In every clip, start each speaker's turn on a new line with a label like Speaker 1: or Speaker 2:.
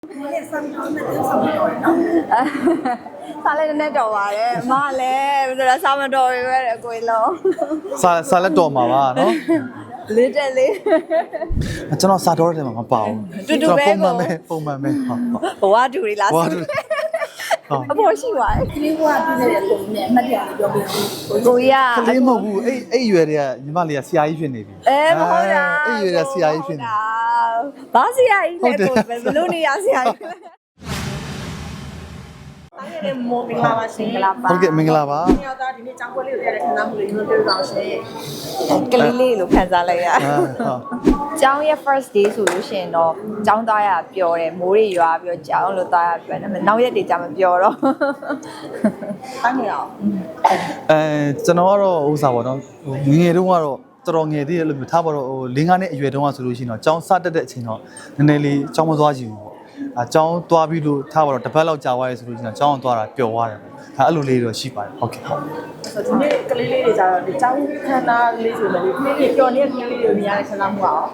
Speaker 1: စားလည်းနည်းတော်ပါတယ်အမလည်းဆိုတော့စားမတော်ပြီပဲအကိုလုံး
Speaker 2: စားလက်တော်မှာပါနော်
Speaker 1: လေးတက်လေး
Speaker 2: ကျွန်တော်စားတော်တဲ့မှာမပါဘူး
Speaker 1: တူတူပဲ
Speaker 2: ပုံမှန်ပဲ
Speaker 1: ဘဝတူရီလားအပေါ်ရှိပါတယ်
Speaker 3: ကလေးဘွားပြည့်တဲ့ပုံနဲ့အမှတ်တရလေးပြောပြဦး
Speaker 1: ကိုရ
Speaker 2: ကလေးမဟုတ်ဘူးအဲ့ရွယ်တွေကညီမလေးကဆရာကြီးဖြစ်နေပြီ
Speaker 1: မဟုတ်တာ
Speaker 2: အဲ့ရွယ်ကဆရာကြီးဖြစ်နေ
Speaker 1: ဘာဆရာကြီးလဲကိုဘယ်လိုနေရဆရာကြီးတိုင်းရဲ့မော်မင်္ဂလာပါရှင်မင်္ဂလာပါ
Speaker 2: ဟုတ်ကဲ့မင်္ဂလာပါ
Speaker 3: ညောသားဒီနေ့ကျောင်းပွဲလေးကိုရတဲ့ခဏမှုလေးကျွန်တော်ပြောပြအောင်ရှင်
Speaker 1: ကလေးလေးလို့ခံစားလိုက်ရကျောင်းရဲ့ first day ဆိုလို့ရှိရင်တော့ကျောင်းသားရပျော်တယ်မိုးတွေရွာပြီးတော့ကျောင်းလို့သားရပျော်တယ်နောက်ရက်တွေကြာမပျော်တော့
Speaker 3: အားနေအောင်
Speaker 2: ကျွန်တော်ကတော့ဥစားပါတော့ငယ်တုန်းကတော့တော်တော်ငယ်သေးတယ်လို့ပြောထားပါတော့၄-၅နှစ်အရွယ်တုန်းကဆိုလို့ရှိရင်တော့ကျောင်းစတက်တဲ့အချိန်တော့နည်းနည်းလေးကျောင်းမသွားကြည့်ဘူးပေါ့ကျောင်းသွားပြီးလို့ထားပါတော့တစ်ပတ်လောက်ကြာသွားရဲဆိုလို့ရှိရင်ကျောင်းသွားတာပျော်သွားတယ်ဒါအဲ့လိုလေးတော့ရှိပါတယ်ဟုတ်ကဲ့ဟုတ်
Speaker 3: ဆိုဒီနေ့ကလေးလေးတွေကြတော့ဒီကျောင်းခန်းသားလေးဆိုလည်းကလေးလေးပျော်နေတဲ့ကလေးလေးတွေမြင်ရတဲ့ခဏမှုအောင်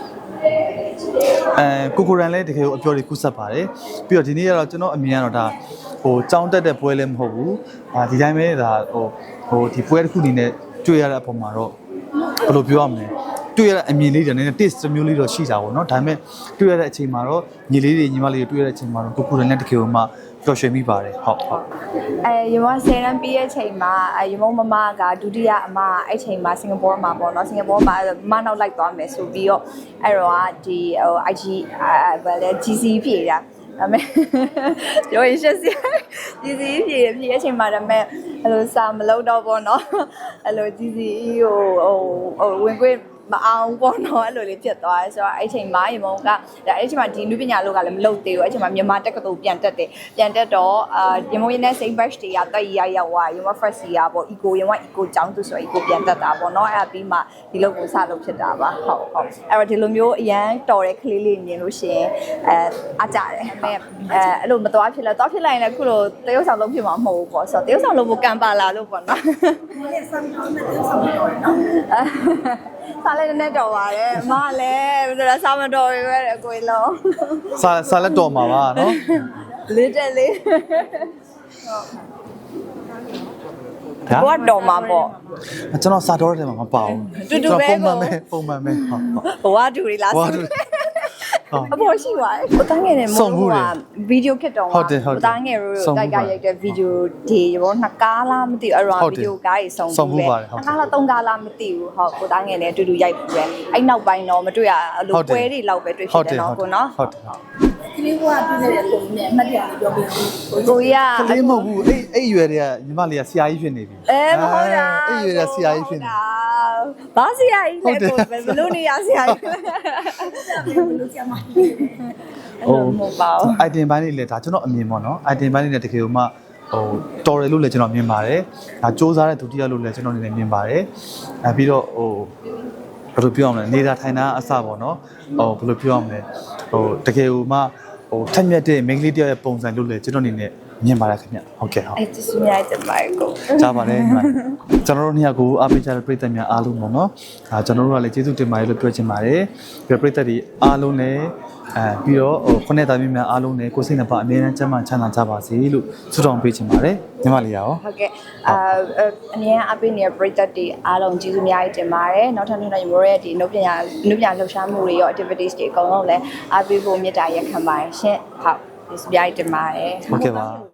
Speaker 2: ကိုရန်လည်းတကယ်ကိုအပြော်လေးကူးဆက်ပါတယ်ပြီးတော့ဒီနေ့ကတော့ကျွန်တော်အမြင်ကတော့ဒါကျောင်းတက်တဲ့ပွဲလည်းမဟုတ်ဘူးဒီတိုင်းပဲဒါဒီပွဲတစ်ခုအနေနဲ့တွေ့ရတဲ့အပေါ်မှာတော့ဘယ်လိုပြောရမလဲတွေ့ရတဲ့အမြင်လေးတွေနည်းနည်း taste မျိုးလေးတော့ရှိတာပေါ့နော်ဒါပေမဲ့တွေ့ရတဲ့အချိန်မှာတော့ညီလေးတွေညီမလေးတွေတွေ့ရတဲ့အချိန်မှာတော့ကိုရန်လည်းတကယ်ကိုမှပျော်ရွှင်မိပါတယ်ဟုတ်
Speaker 1: ရမ10တန်းပြီးရဲ့ချိန်မှာရမမကဒုတိယအမအဲ့ချိန်မှာစင်ကာပူမှာပေါ့နော်စင်ကာပူမှာမနောက်လိုက်သွားမယ်ဆိုပြီးတော့အဲ့တော့ဒီ IG ဘယ်လဲ GC ဖြေတာဒါပေမဲ့ပြောရင်ရှက်စရာ GC ဖြေအချိန်မှာဒါပေမဲ့အဲ့လိုစာမလုပ်တော့ပေါ့နော်အဲ့လို GC ကိုဝင်ခွင့်မအောင်ပေါ့နော်အဲ့လိုလေးဖြစ်သွားတယ်ဆိုတော့အဲ့ချိန်မှာရေမုံကဒါအဲ့ချိန်မှာဒီနုပညာလောကလည်းမလုပ်သေးဘူးအဲ့ချိန်မှာမြန်မာတက္ကသိုလ်ပြန်တက်တယ်ပြန်တက်တော့ရေမုံရင်းနဲ့ same batch တွေကတက်ရောက်သွားရေမုံ first year ပေါ့ eco ရေမုံ eco ကျောင်းသူဆို eco ပြန်တက်တာပေါ့နော်အဲ့ဒါပြီးမှဒီလောက်ကိုစလုပ်ဖြစ်တာပါဟုတ်အဲ့တော့ဒီလိုမျိုးအရန်တော်တဲ့ကလေးလေးမြင်လို့ရှိရင်အားကြတယ်အမေအဲ့လိုမသွားဖြစ်လဲသွားဖြစ်လိုက်ရင်လည်းခုလိုတရုပ်ဆောင်လုပ်ဖြစ်မှာမဟုတ်ဘူးပေါ့ဆိုတော့တရုပ်ဆောင်လုပ်ဖို့ကံပါလာလို့ပေါ့နော်
Speaker 3: ဒီနေ့စမ်းတော့နဲ့တရုပ်ဆောင်လုပ်ရတယ်နော်
Speaker 1: စားလည်းနည်းတော်ပါတယ်အမလည်းဆိုတော့စားမတော်ပြီပဲအကိုလုံး
Speaker 2: စားလက်တော်မှာပါနော်
Speaker 1: လေးတက်လေးဘောတော်မှာပေါ့
Speaker 2: ကျွန်တော်စားတော်တဲ့မှာမပါဘူး
Speaker 1: တူတူပဲ
Speaker 2: ပုံမှန်ပဲ
Speaker 1: ဘဝတူရီလားအပေါ်ရှိပါတယ်ကိုသားငယ်နဲ့မဟုတ်ဘူးဗီဒီယိုခစ်တော့ကိုသားငယ်တို့တိုက်ရိုက်တဲ့ဗီဒီယိုဒီဘောနှစ်ကားလားမသိဘူးအဲ့တော့ဗီဒီယိုကားကြီးဆုံးဘူးပဲနှစ်ကားလားသုံးကားလားမသိဘူးဟုတ်ကိုသားငယ်နဲ့အတူတူရိုက်ပြီးပဲအဲ့နောက်ပိုင်းတော့မတွေ့ရအလိုပွဲတွေလောက်ပဲတွေ့ဖြစ်တယ်နော်ကိုနော်
Speaker 2: ဟုတ်တယ်
Speaker 3: ကလေးဘွားပြည့်တဲ့ပုံနဲ့အမှတ်တရလေးပြောပြဦး
Speaker 1: ကိုရ
Speaker 2: ကလေးမဟုတ်ဘူးအဲ့ရွယ်တွေကညီမလေးကဆရာကြီးဖြစ်နေပြီ
Speaker 1: မဟုတ်တာ
Speaker 2: အဲ့ရွယ်ကဆရာကြီးဖြစ်နေ
Speaker 1: ဘာဆရာကြီးလဲကိုဘယ်လိုနေရဆရာကြီး
Speaker 3: ဘယ်လိုဆရာမ
Speaker 1: ဟုတ်ပါဘူး
Speaker 2: item ဘိုင်းလေးလေဒါကျွန်တော်အမြင်ပေါ့နော် item ဘိုင်းလေးနဲ့တကယ်လို့မှတော်တယ်လို့လည်းကျွန်တော်မြင်ပါတယ်ဒါစ조사တဲ့ဒုတိယလို့လည်းကျွန်တော်အနေနဲ့မြင်ပါတယ်ပြီးတော့ဘယ်လိုပြောရမလဲနေတာထိုင်တာအစပေါ့နော်ဘယ်လိုပြောရမလဲတကယ်လို့မှထက်မြက်တဲ့ main လေးတယောက်ရဲ့ပုံစံလို့လည်းကျွန်တော်အနေနဲ့မြင်ပါတယ်ခင်ဗျဟုတ်ကဲ့ဟုတ်
Speaker 1: အဲ့ဒီစမြိုက်တဲ့မိုက်ကို
Speaker 2: ကြားပါတယ်ညီမကျွန်တော်တို့နှစ်ယောက်ကိုအားပေးကြတဲ့ပရိသတ်များအားလုံးပေါ့နော်ကျွန်တော်တို့ကလည်းကျေးဇူးတင်ပါတယ်လို့ပြောချင်ပါတယ်ပြီးပရိသတ်တွေအားလုံးလည်းပြီးတော့ခုနှစ်သားများအားလုံးလည်းကိုယ်စိတ်နှပါအမြဲတမ်းကျန်းမာချမ်းသာကြပါစေလို့ဆုတောင်းပေးချင်ပါတယ်ညီမလေးရော
Speaker 1: ဟုတ်ကဲ့အမြဲအားပေးနေတဲ့ပရိသတ်တွေအားလုံးကျေးဇူးအများကြီးတင်ပါတယ်နောက်ထပ်နေ့တိုင်းမိုးရဲ့ဒီနုပညာလှူရှားမှုတွေရော activities တွေအကုန်လုံးလည်းအားပေးဖို့မေတ္တာရက်ခံပါတယ်ရှင်ဟုတ်ကျေးဇူးအများကြီးတင်ပါတယ်
Speaker 2: ဟုတ်ကဲ့ပါ